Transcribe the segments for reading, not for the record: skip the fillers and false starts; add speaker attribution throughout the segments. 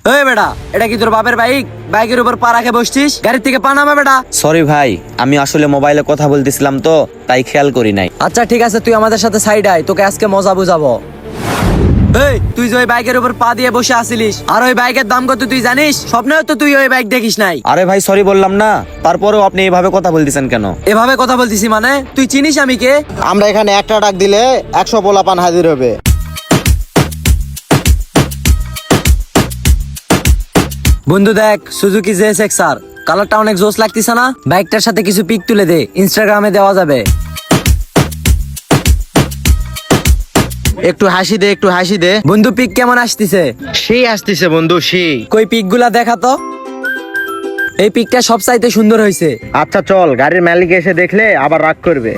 Speaker 1: ওই বেটা, এটা কি তোর বাপের বাইক? বাইকের উপর পা রাখে বসছিস? গাড়ির থেকে পা নামা বেটা।
Speaker 2: সরি ভাই, আমি আসলে মোবাইলে কথা বলতেছিলাম তো তাই খেয়াল করি নাই।
Speaker 1: আচ্ছা ঠিক আছে, তুই আমাদের সাথে সাইড আয়, তোকে আজকে মজা বুঝাবো। এই তুই যে ওই বাইকের উপর পা দিয়ে বসে আসিলিস, আর ওই বাইকের দাম কত তুই জানিস? স্বপ্নেও তো তুই ওই বাইক দেখিস নাই।
Speaker 2: আরে ভাই সরি বললাম না, তারপরেও আপনি এভাবে কথা বলতেছেন কেন?
Speaker 1: এভাবে কথা বলতিছি মানে? তুই চিনিস আমি কে?
Speaker 3: আমরা এখানে একটা ডাক দিলে 100 পোলাপান হাজির হবে।
Speaker 1: বন্ধু দেখ, সুজুকি জেএসএক্স আর কালারটা অনেক জোস লাগতিছে না? বাইকটার সাথে কিছু পিক তুলে দে, ইনস্টাগ্রামে দেওয়া যাবে।
Speaker 3: একটু হাসি দে, একটু হাসি দে।
Speaker 1: বন্ধু পিক কেমন আসতিছে?
Speaker 3: সেই আসতেছে বন্ধু, সেই।
Speaker 1: কই পিকগুলা দেখা তো। এই পিকটা সব চাইতে সুন্দর হয়েছে।
Speaker 3: আচ্ছা চল, গাড়ির মালিক এসে দেখলে আবার রাগ করবে।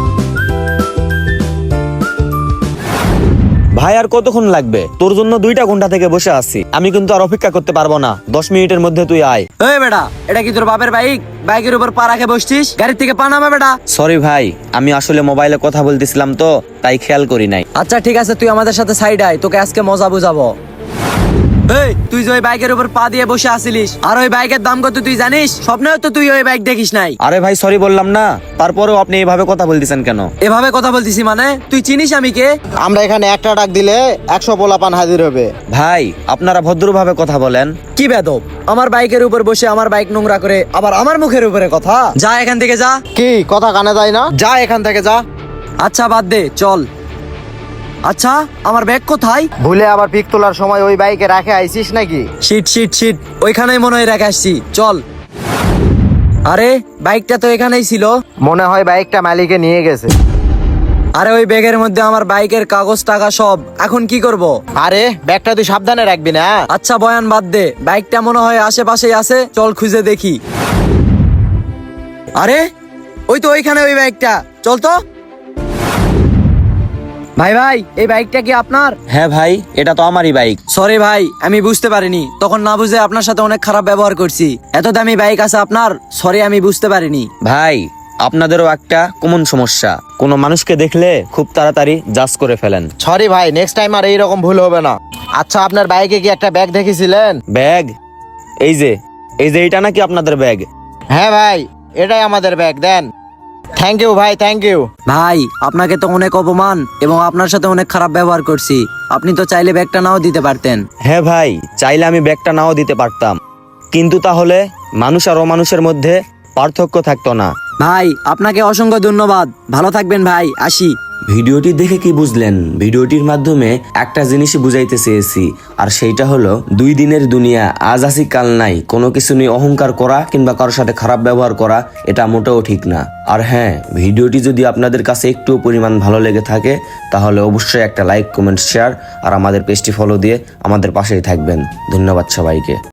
Speaker 2: ভাই আর কতক্ষণ লাগবে? তোর জন্য 2টা ঘন্টা থেকে বসে আছি, আমি কিন্তু আর অপেক্ষা করতে পারবো না। 10 মিনিটের মধ্যে তুই আয়।
Speaker 1: ওই বেটা, এটা কি তোর বাপের বাইক? বাইকের উপর পা রাখে বসছিস? গাড়ির থেকে পা নামা বেটা।
Speaker 2: সরি ভাই, আমি আসলে মোবাইলে কথা বলতেছিলাম তো তাই খেয়াল করি নাই।
Speaker 1: আচ্ছা ঠিক আছে, তুই আমাদের সাথে সাইড আয়, তোকে আজকে মজা বুঝাবো। এই তুই যে ওই বাইকের উপর পা দিয়ে বসে আসিলিস, আর ওই বাইকের দাম কত তুই জানিস? স্বপ্নেও তো তুই ওই বাইক দেখিস নাই।
Speaker 2: আরে ভাই সরি বললাম না, তারপরেও আপনি এভাবে কথা বলতেছেন কেন?
Speaker 1: এভাবে কথা বলতিছি মানে? তুই চিনিস আমি কে?
Speaker 3: আমরা এখানে একটা ডাক দিলে 100 পোলাপান হাজির হবে।
Speaker 2: ভাই আপনারা ভদ্রভাবে কথা বলেন।
Speaker 1: কি বেদব, আমার বাইকের উপর বসে আমার বাইক নোংরা করে আবার আমার মুখের উপরে কথা। যা এখান থেকে যা।
Speaker 3: কি কথা কানে যায় না? যা এখান থেকে যা।
Speaker 1: আচ্ছা বাদ দে, চল। আচ্ছা আমার ব্যাগ কোথায়?
Speaker 3: ভুলে আবার পিক তোলার সময় ওই বাইকে রাখে আইছিস নাকি?
Speaker 1: শিট শিট শিট, ওইখানেই মনে হয় রেখে আসছি, চল। আরে বাইকটা তো এখানেই ছিল।
Speaker 3: মনে হয় বাইকটা মালিকে নিয়ে গেছে।
Speaker 1: আরে ওই ব্যাগের মধ্যে আমার বাইকের কাগজ টাকা সব, এখন কি করব?
Speaker 3: আরে ব্যাগটা তুই সাবধানে রাখবি না?
Speaker 1: আচ্ছা বয়ান বাদ দে, বাইকটা মনে হয় আশেপাশেই আছে, চল খুঁজে দেখি। আরে ওই তো ওইখানে ওই বাইকটা, চল তো। ভাই ভাই, এই বাইকটা কি আপনার?
Speaker 2: হ্যাঁ ভাই, এটা তো আমারই বাইক।
Speaker 1: সরি ভাই, আমি বুঝতে পারিনি, তখন না বুঝে আপনার সাথে অনেক খারাপ ব্যবহার করছি। এত দামি বাইক আছে আপনার? সরি, আমি বুঝতে পারিনি।
Speaker 2: ভাই আপনাদেরও একটা কমন সমস্যা, কোনো মানুষকে দেখলে খুব তাড়াতাড়ি জাজ করে ফেলেন।
Speaker 3: সরি ভাই, নেক্সট টাইম আর এইরকম ভুল হবে না। আচ্ছা আপনার বাইকে কি একটা ব্যাগ দেখেছিলেন?
Speaker 2: ব্যাগ? এই যে এইটা নাকি আপনাদের ব্যাগ?
Speaker 3: হ্যাঁ ভাই, এটাই আমাদের ব্যাগ, দেন। থ্যাংক ইউ ভাই, থ্যাংক ইউ।
Speaker 1: ভাই আপনাকে তো অনেক অপমান এবং আপনার সাথে অনেক খারাপ ব্যবহার করছি, আপনি তো চাইলে ব্যাগটা নাও দিতে পারতেন।
Speaker 2: হ্যাঁ ভাই, চাইলে আমি ব্যাগটা নাও দিতে পারতাম, কিন্তু তাহলে মানুষ আর অমানুষের মধ্যে পার্থক্য থাকতো না।
Speaker 1: ভাই আপনাকে অসংখ্য ধন্যবাদ, ভালো থাকবেন ভাই, আসি।
Speaker 2: ভিডিওটি দেখে কি বুঝলেন? ভিডিওটির মাধ্যমে একটা জিনিসই বুঝাইতে চেয়েছি, আর সেইটা হলো 2 দিনের দুনিয়া, আজ আসি কাল নাই। কোনো কিছু নিয়ে অহংকার করা কিংবা কারোর সাথে খারাপ ব্যবহার করা এটা মোটেও ঠিক না। আর হ্যাঁ, ভিডিওটি যদি আপনাদের কাছে একটু পরিমাণ ভালো লেগে থাকে তাহলে অবশ্যই একটা লাইক, কমেন্ট, শেয়ার আর আমাদের পেজটি ফলো দিয়ে আমাদের পাশেই থাকবেন। ধন্যবাদ সবাইকে।